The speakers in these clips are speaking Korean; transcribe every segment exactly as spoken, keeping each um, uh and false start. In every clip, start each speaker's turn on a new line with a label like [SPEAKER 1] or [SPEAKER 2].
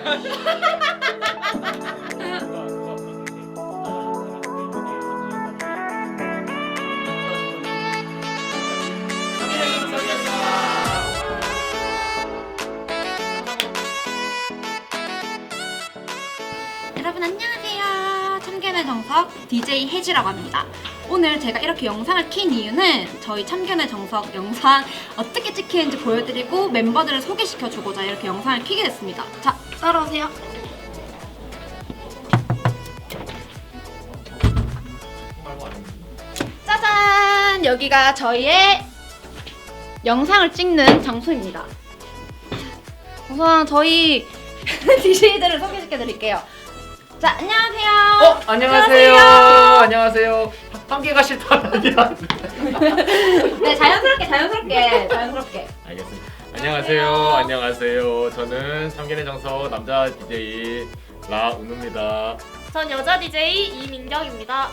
[SPEAKER 1] 여러분 안녕하세요. 참견의 정석 디제이 혜지라고 합니다. 오늘 제가 이렇게 영상을 킨 이유는 저희 참견의 정석 영상 어떻게 찍히는지 보여드리고 멤버들을 소개시켜주고자 이렇게 영상을 켜게 됐습니다. 자, 따라오세요. 짜잔! 여기가 저희의 영상을 찍는 장소입니다. 우선 저희 디제이들을 소개시켜드릴게요. 자, 안녕하세요.
[SPEAKER 2] 어, 안녕하세요. 안녕하세요. 안녕하세요. 함께가 싫다는 아니라.
[SPEAKER 1] 네, 자연스럽게, 자연스럽게, 자연스럽게.
[SPEAKER 2] 알겠습니다. 안녕하세요. 안녕하세요. 저는 참견의 정석 남자 디제이 라은우입니다.
[SPEAKER 3] 전 여자 디제이 이민경입니다.
[SPEAKER 1] 와!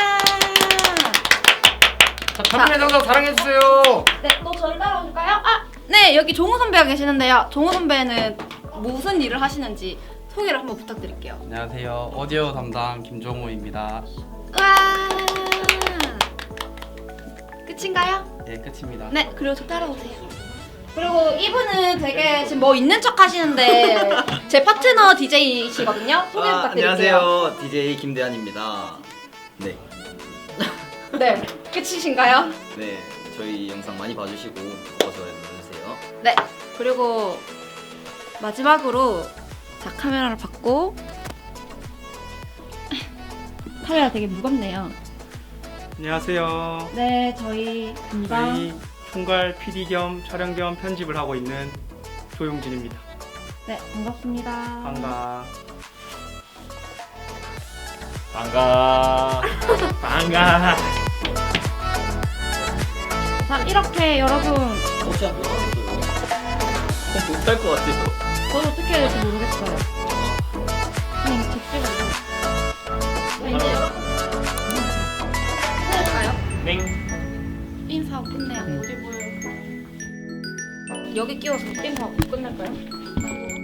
[SPEAKER 2] 자, 참견의 정석 사랑해주세요.
[SPEAKER 1] 네, 또 저를 따라오실까요? 아, 네, 여기 종우 선배가 계시는데요. 종우 선배는 무슨 일을 하시는지 소개를 한번 부탁드릴게요.
[SPEAKER 4] 안녕하세요. 오디오 담당 김종우입니다.
[SPEAKER 1] 와! 끝인가요?
[SPEAKER 4] 예, 끝입니다.
[SPEAKER 1] 네, 그리고 저 따라오세요. 그리고 이분은 되게 지금 뭐 있는 척 하시는데 제 파트너 디제이시거든요. 소개
[SPEAKER 5] 아,
[SPEAKER 1] 부탁드릴게요.
[SPEAKER 5] 안녕하세요. 디제이 김대한입니다. 네.
[SPEAKER 1] 네, 끝이신가요?
[SPEAKER 5] 네. 저희 영상 많이 봐주시고 어서 눌러주세요.
[SPEAKER 1] 네, 그리고 마지막으로 자, 카메라를 받고 카메라 되게 무겁네요.
[SPEAKER 6] 안녕하세요.
[SPEAKER 1] 네, 저희 담당
[SPEAKER 6] 저희 총괄 피디 겸 촬영 겸 편집을 하고 있는 조용진입니다.
[SPEAKER 1] 네, 반갑습니다.
[SPEAKER 6] 반가.
[SPEAKER 2] 반가. 반가.
[SPEAKER 1] 자, 이렇게 여러분
[SPEAKER 5] 혹시 한번 하겠어요? 못할 것 같아요.
[SPEAKER 1] 저도 어떻게 해야 될지 모르겠어요. 그냥 직진으로. 자, 이제 해볼까요?
[SPEAKER 2] 땡.
[SPEAKER 1] 인사하고 끝내요. 어디 보여요? 여기 끼워서 인사하고 끝낼까요?